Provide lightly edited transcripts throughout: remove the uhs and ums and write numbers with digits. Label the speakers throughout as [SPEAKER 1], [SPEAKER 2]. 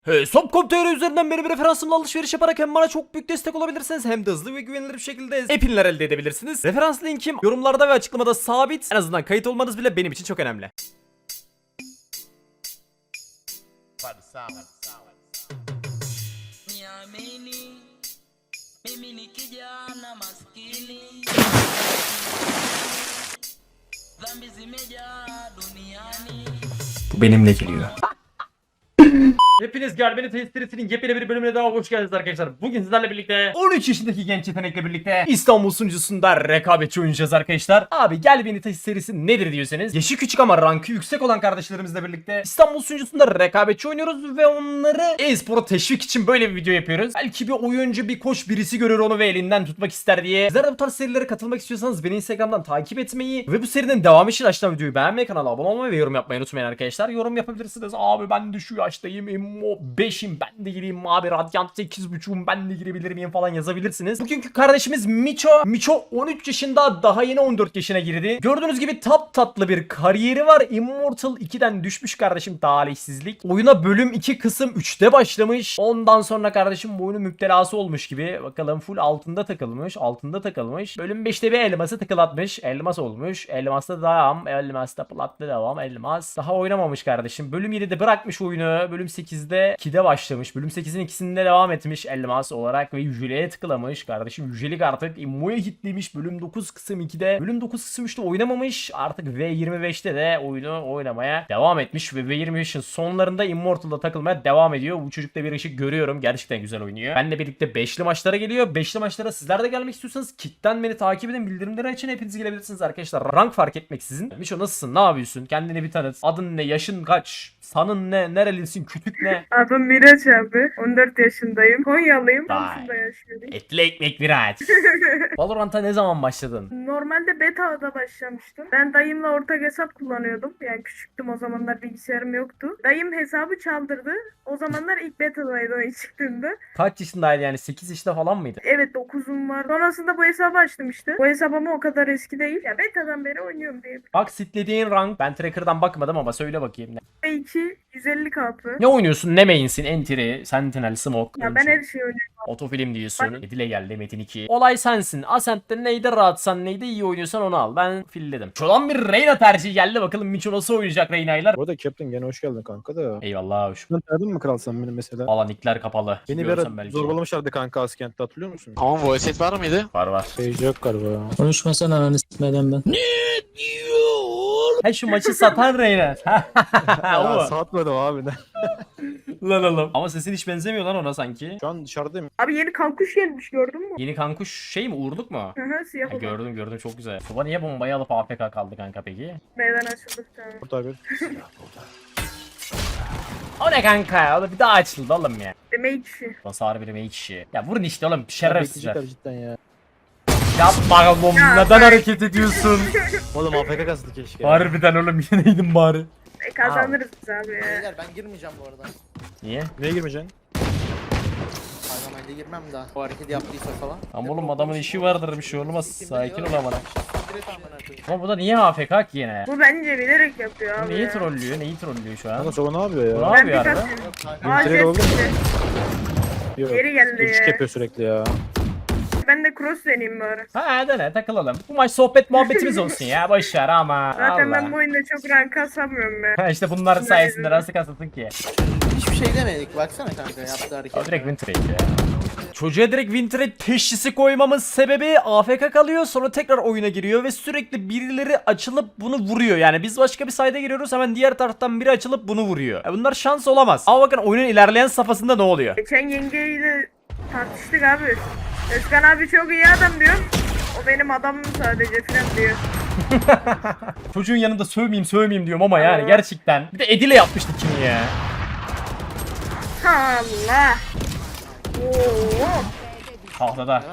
[SPEAKER 1] Hesap.com.tr üzerinden benim referansımla alışveriş yaparak hem bana çok büyük destek olabilirsiniz hem de hızlı ve güvenilir bir şekilde epinler elde edebilirsiniz. Referans linkim yorumlarda ve açıklamada sabit. En azından kayıt olmanız bile benim için çok önemli.
[SPEAKER 2] Niamini, mimi ni kijana maskini, dhambi zimejaa duniani.
[SPEAKER 1] Bu benimle geliyor. Hepiniz Gel Beni Test serisinin yepyeni bir bölümüne daha hoş geldiniz arkadaşlar. Bugün sizlerle birlikte 13 yaşındaki genç yetenekle birlikte İstanbul sunucusunda rekabetçi oynayacağız arkadaşlar. Abi Gel Beni Test serisi nedir diyorsanız, yaşı küçük ama rankı yüksek olan kardeşlerimizle birlikte İstanbul sunucusunda rekabetçi oynuyoruz ve onları e-spora teşvik için böyle bir video yapıyoruz. Belki bir oyuncu, bir koç birisi görür onu ve elinden tutmak ister diye. Sizler de bu tarz serilere katılmak istiyorsanız beni Instagram'dan takip etmeyi ve bu serinin devamı için aşağıdan videoyu beğenmeyi, kanala abone olmayı ve yorum yapmayı unutmayın arkadaşlar. Yorum yapabilirsiniz. Abi ben de şu yaştayım, 5'im, ben de gireyim abi, Radiant 8.5'um, ben de girebilir miyim falan yazabilirsiniz. Bugünkü kardeşimiz Miço 13 yaşında, daha yeni 14 yaşına girdi. Gördüğünüz gibi tatlı bir kariyeri var. Immortal 2'den düşmüş kardeşim, talihsizlik. Oyuna bölüm 2 kısım 3'te başlamış. Ondan sonra kardeşim bu oyunun müptelası olmuş gibi. Bakalım full altında takılmış. Bölüm 5'te bir elması tıkılatmış. Elmas olmuş. Elmas'ta devam. Elmas'ta platlı devam. Elmas. Daha oynamamış kardeşim. Bölüm 7'de bırakmış oyunu. Bölüm 8'de 2'de başlamış. Bölüm 8'in ikisinde devam etmiş elmas olarak ve yüceleye tıklamış. Kardeşim yücelik artık immoya hitlemiş. Bölüm 9 kısım 2'de. Bölüm 9 kısım 3'te oynamamış. Artık V25'te de oyunu oynamaya devam etmiş ve V25'in sonlarında Immortal'da takılmaya devam ediyor. Bu çocukta bir ışık görüyorum. Gerçekten güzel oynuyor. Benle birlikte 5'li maçlara geliyor. 5'li maçlara sizler de gelmek istiyorsanız Kick'ten beni takip edin. Bildirimleri açın. Hepiniz gelebilirsiniz arkadaşlar. Rank fark etmeksizin. Miço nasılsın? Ne yapıyorsun? Kendini bir tanıt. Adın ne? Yaşın kaç? Sanın ne? Nerelisin? Kütük ne?
[SPEAKER 3] Adım Miraç abi. 14 yaşındayım. Konyalıyım.
[SPEAKER 1] Vay.
[SPEAKER 3] Samsun'da yaşıyorum.
[SPEAKER 1] Etli ekmek Miraç. Valorant'a ne zaman başladın?
[SPEAKER 3] Normalde beta'da başlamıştım. Ben dayımla ortak hesap kullanıyordum. Yani küçüktüm, o zamanlar bilgisayarım yoktu. Dayım hesabı çaldırdı. O zamanlar ilk beta'daydı o ilk çıktığında.
[SPEAKER 1] Kaç yaşındaydı yani? 8 yaşında falan mıydı?
[SPEAKER 3] Evet, 9'um var. Sonrasında bu hesabı açtım işte. Bu hesap ama o kadar eski değil. Ya beta'dan beri oynuyorum diye.
[SPEAKER 1] Bak sitlediğin rank. Ben tracker'dan bakmadım ama söyle bakayım.
[SPEAKER 3] B2 150 kapı.
[SPEAKER 1] Ne oynuyorsun? Ne main'sin? Entry, Sentinel, Smoke.
[SPEAKER 3] Ya ben her şeyi oynuyorum.
[SPEAKER 1] Otofilm diyorsun. Edile geldi Metin 2. Olay sensin. Ascent'te neyde rahatsan, neyde iyi oynuyorsan onu al. Ben filledim. Şuradan bir Reyna tercihi geldi. Bakalım Miço nasıl oynayacak Reyna'ylar.
[SPEAKER 4] Bu arada Captain gene hoş geldin kanka da.
[SPEAKER 1] Eyvallah hoş.
[SPEAKER 4] Sen tanıdın mı kral sen beni mesela?
[SPEAKER 1] Valla nickler kapalı.
[SPEAKER 4] Beni bir
[SPEAKER 1] Görsem
[SPEAKER 4] ara
[SPEAKER 1] belki.
[SPEAKER 4] zorbalamışlardı kanka Askent'te, hatırlıyor musun?
[SPEAKER 5] Tamam voice var mıydı?
[SPEAKER 1] Var.
[SPEAKER 4] Sage yok galiba ya.
[SPEAKER 6] Konuşmasana ananı s**meden ben.
[SPEAKER 1] He şu maçı satan Reyna.
[SPEAKER 4] Ya
[SPEAKER 1] O.
[SPEAKER 4] satmadım abi.
[SPEAKER 1] Lan oğlum. Ama sesin hiç benzemiyor lan ona sanki.
[SPEAKER 4] Şu an dışarıdayım.
[SPEAKER 3] Abi yeni kankuş gelmiş, gördün mü?
[SPEAKER 1] Yeni kankuş şey mi? Uğurluk mu?
[SPEAKER 3] Hı hı, siyah
[SPEAKER 1] Ha,
[SPEAKER 3] olan.
[SPEAKER 1] gördüm çok güzel. Tuba niye bombayı alıp AFK kaldı kanka peki?
[SPEAKER 3] Meydan açıldık tamam.
[SPEAKER 4] Burada bir.
[SPEAKER 1] O ne kanka? O da bir daha açıldı oğlum ya.
[SPEAKER 3] Demek ki.
[SPEAKER 1] Basar bir kişi. Ya vurun işte oğlum şerefsizler.
[SPEAKER 4] Bekleyecekler cidden ya.
[SPEAKER 1] Yapma oğlum, neden hareket ediyorsun?
[SPEAKER 4] Oğlum AFK kastı keşke.
[SPEAKER 1] Harbiden oğlum, yeneydin bari.
[SPEAKER 3] Kazanırız biz abi ya.
[SPEAKER 7] Beyler ben girmeyeceğim bu arada.
[SPEAKER 1] Niye?
[SPEAKER 4] Neye girmeyeceksin?
[SPEAKER 7] Parlamayla girmem daha. O hareketi yaptıysa falan.
[SPEAKER 1] Ama oğlum adamın işi vardır, bir şey olmaz. Sakin ol amına.
[SPEAKER 7] Direkt amına koyayım.
[SPEAKER 1] Ama bu da niye AFK ki yine?
[SPEAKER 3] Bu bence bilerek yapıyor
[SPEAKER 1] Bu
[SPEAKER 3] abi
[SPEAKER 1] neyi
[SPEAKER 3] ya.
[SPEAKER 1] trollüyor? Neyi trollüyor şu an?
[SPEAKER 4] Kanka Sova ne yapıyor
[SPEAKER 1] Bu
[SPEAKER 4] ya?
[SPEAKER 1] ne
[SPEAKER 3] Ben bir
[SPEAKER 1] yapıyor arada?
[SPEAKER 3] kaçıyorum.
[SPEAKER 7] Kanka,
[SPEAKER 3] Aa,
[SPEAKER 4] Direkt
[SPEAKER 3] jet
[SPEAKER 4] oldu mu?
[SPEAKER 3] çıktı.
[SPEAKER 4] Yok.
[SPEAKER 3] Geri geldi
[SPEAKER 4] İlk
[SPEAKER 3] ya.
[SPEAKER 4] yapıyor sürekli ya.
[SPEAKER 3] Ben de cross deneyeyim bari.
[SPEAKER 1] Ha dene takılalım. Bu maç sohbet muhabbetimiz olsun ya. Boşver ama.
[SPEAKER 3] Zaten ben bu
[SPEAKER 1] Allah.
[SPEAKER 3] oyunda çok rank kasamıyorum ya.
[SPEAKER 1] Ha işte bunlar sayesinde nasıl kasıldın ki?
[SPEAKER 7] hiçbir şey demedik. Baksana kanka yaptığı
[SPEAKER 1] O
[SPEAKER 7] hareket.
[SPEAKER 1] direkt win trade ya. Çocuğa direkt win trade teşhisi koymamın sebebi AFK kalıyor, sonra tekrar oyuna giriyor ve sürekli birileri açılıp bunu vuruyor. Yani biz başka bir sayda giriyoruz, hemen diğer taraftan biri açılıp bunu vuruyor. Bunlar şans olamaz. Ama bakın oyunun ilerleyen safhasında ne oluyor?
[SPEAKER 3] Geçen yengeyle tartıştık abi. Özkan abi çok iyi adam diyor. O benim adamım sadece falan diyor.
[SPEAKER 1] Çocuğun yanında sövmeyeyim diyorum ama yani gerçekten. Bir de Edile yapmıştık kimi ya.
[SPEAKER 3] Allah. Oo.
[SPEAKER 1] Tahtada.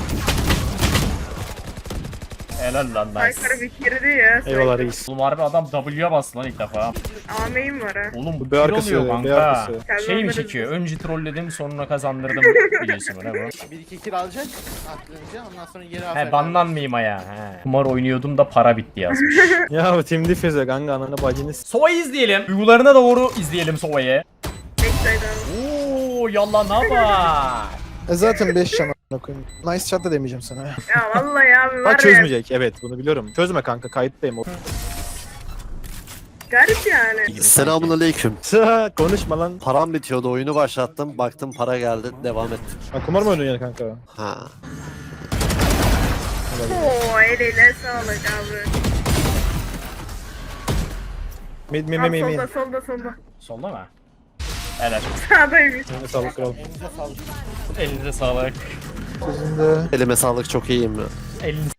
[SPEAKER 1] Helal lan nice.
[SPEAKER 3] Aykırı bitirdi ya.
[SPEAKER 4] Eyvallah reis.
[SPEAKER 1] Oğlum harbi adam W'ye bastı lan ilk defa.
[SPEAKER 3] Ameyim var ha.
[SPEAKER 1] Oğlum bu
[SPEAKER 4] Bir
[SPEAKER 1] kill
[SPEAKER 4] arkası,
[SPEAKER 1] oluyor
[SPEAKER 4] bir
[SPEAKER 1] kanka.
[SPEAKER 4] arkası.
[SPEAKER 1] Şey mi
[SPEAKER 3] Kazandırırız
[SPEAKER 1] çekiyor? Önce trolledim sonra kazandırdım biliyorsun öyle bu.
[SPEAKER 7] 1-2 kill alacak aklınca ondan sonra geri
[SPEAKER 1] He
[SPEAKER 7] aferin.
[SPEAKER 1] banlanmayayım aya. He. Kumar oynuyordum da para bitti yazmış.
[SPEAKER 4] Ya bu Team Defense kanka, ananı bacını s***.
[SPEAKER 1] Sova'yı izleyelim. Duygularına doğru izleyelim Sova'yı.
[SPEAKER 3] Bekle backside abi.
[SPEAKER 1] Oo yallah ne yapar?
[SPEAKER 5] Zaten 5 can a**ına koyayım. Nice shot da demeyeceğim sana.
[SPEAKER 3] Ya vallahi abi var
[SPEAKER 4] Bak
[SPEAKER 3] ya.
[SPEAKER 4] çözmeyecek. Evet bunu biliyorum. Çözme kanka kayıttayım.
[SPEAKER 3] Garip yani.
[SPEAKER 8] Selamun aleyküm.
[SPEAKER 4] Konuşma lan.
[SPEAKER 8] Param bitiyordu, oyunu başlattım. Baktım para geldi, devam ettim.
[SPEAKER 4] Ha, kumar mı oynuyorsun yani kanka?
[SPEAKER 8] Ha.
[SPEAKER 3] Oo eline sağlık abi.
[SPEAKER 4] Mid
[SPEAKER 3] Abi solda.
[SPEAKER 1] Solda mı? Evet.
[SPEAKER 3] Sağdaymış.
[SPEAKER 4] Yine sağlık kral.
[SPEAKER 1] Elinize sağlık.
[SPEAKER 5] Sizin de.
[SPEAKER 8] Elime sağlık, çok iyiyim ya.
[SPEAKER 1] Elinize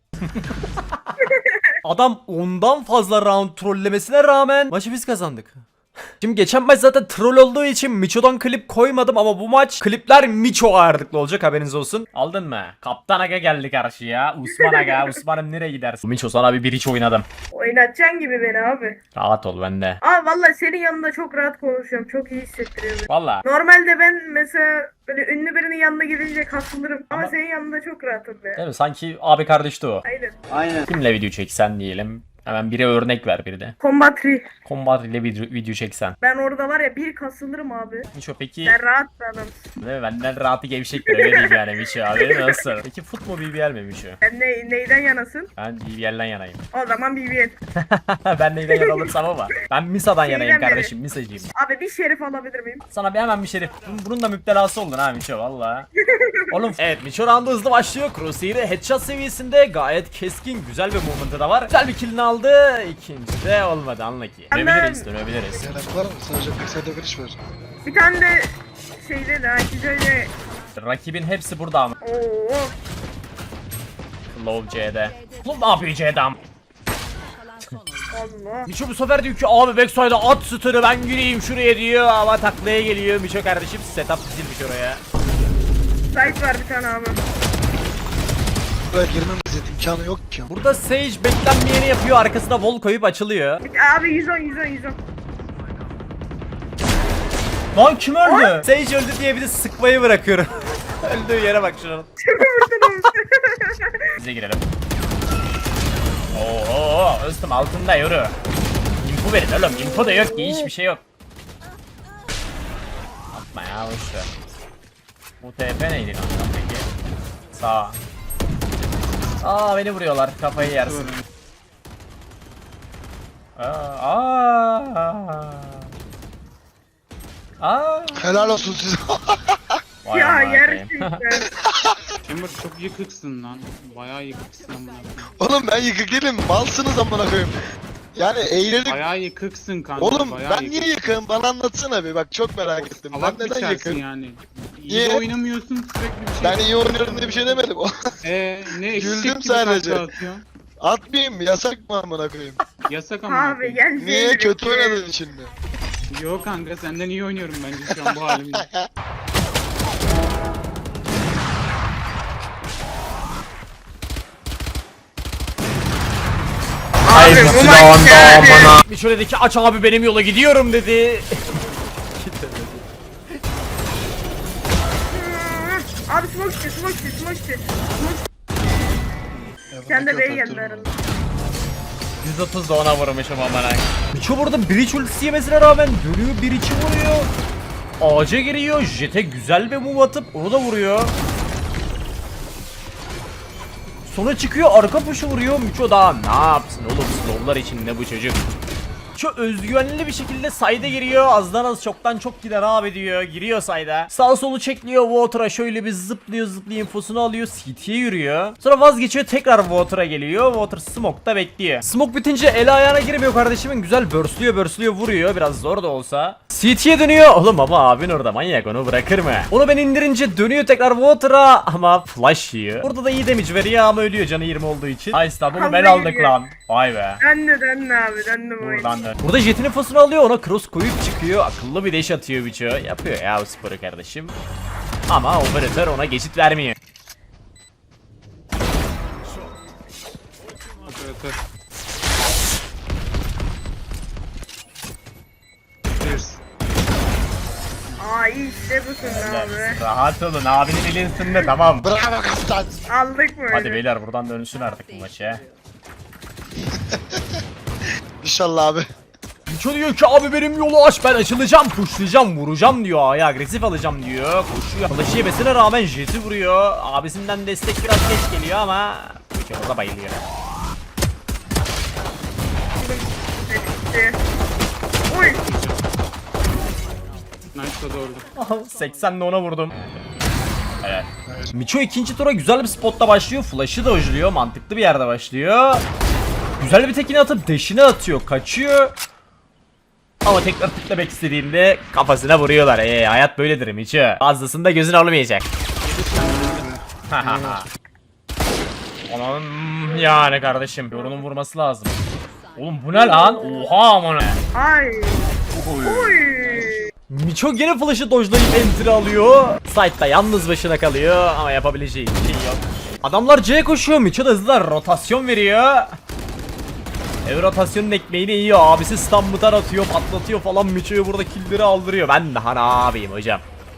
[SPEAKER 1] Adam ondan fazla round trollemesine rağmen maçı biz kazandık. Şimdi geçen maç zaten troll olduğu için Micho'dan klip koymadım ama bu maç klipler Micho ağırlıklı olacak, haberiniz olsun. Aldın mı? Kaptan Aga geldi karşıya. Usman Aga. Usman'ım nereye gidersin? Micho sana bir iç oynadım.
[SPEAKER 3] Oynatacaksın gibi beni abi.
[SPEAKER 1] Rahat ol bende.
[SPEAKER 3] Abi vallahi senin yanında çok rahat konuşuyorum. Çok iyi hissettiriyor beni.
[SPEAKER 1] Valla.
[SPEAKER 3] Normalde ben mesela böyle ünlü birinin yanına gidince kasılırım. Ama senin yanında çok rahatım ya.
[SPEAKER 1] Değil mi? Sanki abi kardeşti o.
[SPEAKER 3] Aynen.
[SPEAKER 1] Kimle video çeksen diyelim. Hemen biri örnek ver bir de.
[SPEAKER 3] Combatri.
[SPEAKER 1] Combat ile video çeksen.
[SPEAKER 3] Ben orada var ya bir kasılırım abi.
[SPEAKER 1] Micho peki
[SPEAKER 3] Sen rahat bir adamsın.
[SPEAKER 1] değil mi? Benden rahatı gevşektir öyle diyeyim yani Micho abi. Nasıl? Peki fut mu BBL mi Micho?
[SPEAKER 3] Sen neyden yanasın?
[SPEAKER 1] Ben BBL'den yanayım.
[SPEAKER 3] O zaman BBL.
[SPEAKER 1] Ben neyden yana olursam ama. Ben Misa'dan
[SPEAKER 3] Şeyden
[SPEAKER 1] yanayım
[SPEAKER 3] beri.
[SPEAKER 1] kardeşim. Misa'cıyım.
[SPEAKER 3] Abi bir şerif alabilir miyim?
[SPEAKER 1] Sana bir hemen bir şerif. Bunun da müptelası oldun ha Micho valla. Oğlum evet Micho roundu hızlı başlıyor. Crosshair'ı headshot seviyesinde gayet keskin güzel bir movement'ı da var. Güzel bir kill'ini aldı. İkinci de olmadı unlucky. Dönebiliriz.
[SPEAKER 9] Yanak var mı? Sadece backside giriş var.
[SPEAKER 3] Bir tane de şeyde de şöyle.
[SPEAKER 1] Rakibin hepsi burada ama.
[SPEAKER 3] Oo.
[SPEAKER 1] Low C'de. Oğlum ne yapıyor C'den?
[SPEAKER 3] Allah.
[SPEAKER 1] Micho bu sefer diyor ki abi backside'a at stun'ı ben gireyim şuraya diyor ama taklaya geliyor Micho kardeşim, setup dizilmiş oraya.
[SPEAKER 3] Site var bir tane abi.
[SPEAKER 9] Buraya girmemiz imkanı yok ki.
[SPEAKER 1] Burada Sage beklenmeyeni yapıyor, arkasına wall koyup açılıyor.
[SPEAKER 3] Abi 110.
[SPEAKER 1] Lan kim öldü? Sage öldü diye bir de sıkmayı bırakıyorum. Öldüğü yere bak şunun. Bize girelim. Oo, üstüm altında yürü. Info verin oğlum, info da yok ki, hiçbir şey yok. Atma ya, boşver. Bu TP neydi kanka peki? Sağ. Aa beni vuruyorlar, kafayı yersin.
[SPEAKER 9] Helal olsun size.
[SPEAKER 1] Vay
[SPEAKER 3] Ya
[SPEAKER 1] amına koyayım.
[SPEAKER 3] gerçekten.
[SPEAKER 10] Emre çok yıkıksın lan. Bayağı yıkıksın amına koyayım.
[SPEAKER 9] Oğlum ben yıkık değilim. Malsınız amına koyayım. Yani eğlenip...
[SPEAKER 10] Bayağı yıkıksın kanka.
[SPEAKER 9] Oğlum
[SPEAKER 10] bayağı
[SPEAKER 9] ben niye yıkığım? Bana anlatsana bir. Bak çok merak ettim.
[SPEAKER 10] Salak
[SPEAKER 9] Ben neden
[SPEAKER 10] biçersin
[SPEAKER 9] yıkığım?
[SPEAKER 10] yani. İyi
[SPEAKER 9] Niye?
[SPEAKER 10] de oynamıyorsun sürekli bir şey.
[SPEAKER 9] Ben iyi oynuyorum diye bir şey demedim.
[SPEAKER 10] Ne eşek
[SPEAKER 9] Güldüm
[SPEAKER 10] gibi
[SPEAKER 9] sadece.
[SPEAKER 10] takla atıyorsun.
[SPEAKER 9] Atmayayım mı? Yasak mı amına koyayım?
[SPEAKER 10] Yasak amına
[SPEAKER 3] Abi
[SPEAKER 10] koyayım.
[SPEAKER 3] gel.
[SPEAKER 9] Niye? Kötü oynadın şimdi.
[SPEAKER 10] Yok kanka senden iyi oynuyorum bence şu an bu halimde.
[SPEAKER 3] Abi bu maç geldi.
[SPEAKER 1] Micho dedi ki aç abi benim yola gidiyorum dedi.
[SPEAKER 3] Abi smoke. Sen de B'ye geldi arada.
[SPEAKER 1] 130 da ona vurmuşum amına. Micho burada bridge ultisi yemesine rağmen dönüyor, bir içi vuruyor. Ağaca giriyor, Jet'e güzel bir move atıp onu da vuruyor. Sonra çıkıyor, arka puşu vuruyor. Micho daha ne yapsın oğlum, slowlar içinde bu çocuk. Micho özgüvenli bir şekilde side'e giriyor. Azdan az çoktan çok gider abi diyor. Giriyor side'a. Sağ solu çekliyor Water'a, şöyle bir zıplıyor infosunu alıyor. CT'ye yürüyor. Sonra vazgeçiyor, tekrar Water'a geliyor. Water smoke'da bekliyor. Smoke bitince el ayağına girmiyor kardeşimin. Güzel burstluyor vuruyor. Biraz zor da olsa. CT'ye dönüyor. Oğlum ama abin orada manyak, onu bırakır mı? Onu ben indirince dönüyor tekrar Water'a ama flash yiyor. Burada da iyi damage veriyor ama ölüyor canı 20 olduğu için. Ay stop, bunu ben aldık lan. Vay be.
[SPEAKER 3] Döndü abi döndü bu oyun.
[SPEAKER 1] Buradan dön. Burada Jet'in infosunu alıyor, ona cross koyup çıkıyor. Akıllı bir dash atıyor Micho. Yapıyor ya bu sporu kardeşim. Ama operatör ona geçit vermiyor.
[SPEAKER 10] Operatör. Cheers.
[SPEAKER 3] Aa iyi işte busun abi.
[SPEAKER 1] Rahat olun, abinin eli ısındı, tamam.
[SPEAKER 9] Bravo kaptan.
[SPEAKER 3] Aldık mı
[SPEAKER 1] Hadi
[SPEAKER 3] öyle?
[SPEAKER 1] beyler buradan dönüşsün artık bu maçı.
[SPEAKER 9] İnşallah abi.
[SPEAKER 1] Miço diyor ki abi benim yolu aç, ben açılacağım, pushlayacağım, vuracağım diyor. A'ya agresif alacağım diyor. Koşuyor. Flash'ı yemesine rağmen jeti vuruyor. Abisinden destek biraz geç geliyor ama Miço orada bayılıyor.
[SPEAKER 3] Oy.
[SPEAKER 10] Nice da doğru.
[SPEAKER 1] 80'le ona vurdum. Evet. Miço ikinci tura güzel bir spotta başlıyor. Flash'ı da ojluyor. Mantıklı bir yerde başlıyor. Güzel bir tekini atıp dash'ini atıyor. Kaçıyor. Ama tekrar tıklamak istediğinde kafasına vuruyorlar. Hayat böyledir Miço. Fazlasında gözün olmayacak. Onun yani kardeşim. Yorunun vurması lazım. Oğlum bu ne lan? Oha aman.
[SPEAKER 3] Ay. Oy.
[SPEAKER 1] Miço gene flash'ı dojlayıp enter alıyor. Side'da yalnız başına kalıyor ama yapabileceği bir şey yok. Adamlar C'ye koşuyor. Miço da hızlı rotasyon veriyor. Rotasyonun ekmeğini yiyor. Abisi stun mutar atıyor, patlatıyor falan. Miço'yu burada killleri aldırıyor. Ben daha ne yapayım hocam?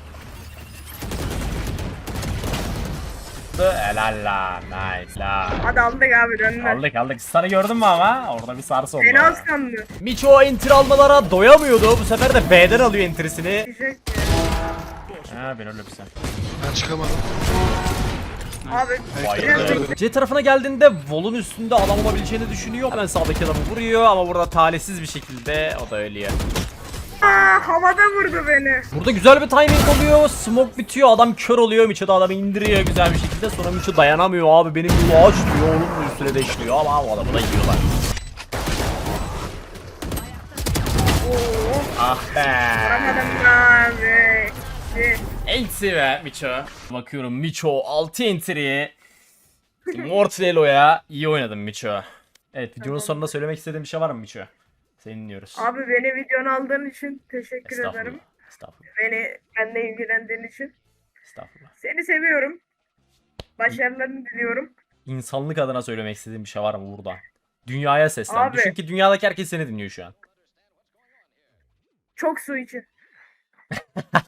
[SPEAKER 1] Helal la, nice la.
[SPEAKER 3] Hadi aldık abi döndüler.
[SPEAKER 1] Aldık. Stun'ı gördün mü ama? Orada bir sarsı oldu.
[SPEAKER 3] Fena sandı.
[SPEAKER 1] Miço enter almalara doyamıyordu. Bu sefer de B'den alıyor enterisini.
[SPEAKER 3] Diyecek ya.
[SPEAKER 1] Ha ben öyle bir sen.
[SPEAKER 9] Ben çıkamadım.
[SPEAKER 3] Abi.
[SPEAKER 1] Bayıldı. C tarafına geldiğinde Vol'un üstünde adam olabileceğini düşünüyor. Hemen sağdaki adamı vuruyor ama burada talihsiz bir şekilde o da ölüyor.
[SPEAKER 3] Havada vurdu beni.
[SPEAKER 1] Burada güzel bir timing oluyor. Smoke bitiyor. Adam kör oluyor. Miço da adamı indiriyor güzel bir şekilde. Sonra Miço dayanamıyor. Abi benim yolu aç diyor. Onun da üstüne deşliyor ama o adamı da yiyorlar. Ah be.
[SPEAKER 3] Vuramadım abi.
[SPEAKER 1] Enti be Miço. Bakıyorum Miço 6 entry. Mortalelo'ya iyi oynadın Miço. Evet videonun sonunda söylemek istediğin bir şey var mı Miço? Seni dinliyoruz.
[SPEAKER 3] Abi beni videonu aldığın için teşekkür
[SPEAKER 1] Estağfurullah.
[SPEAKER 3] ederim.
[SPEAKER 1] Estağfurullah.
[SPEAKER 3] Benle ilgilendiğin için.
[SPEAKER 1] Estağfurullah.
[SPEAKER 3] Seni seviyorum. Başarılarını diliyorum.
[SPEAKER 1] İnsanlık adına söylemek istediğin bir şey var mı burada? Dünyaya seslen.
[SPEAKER 3] Abi.
[SPEAKER 1] Düşün ki dünyadaki herkes seni dinliyor şu an.
[SPEAKER 3] Çok su için.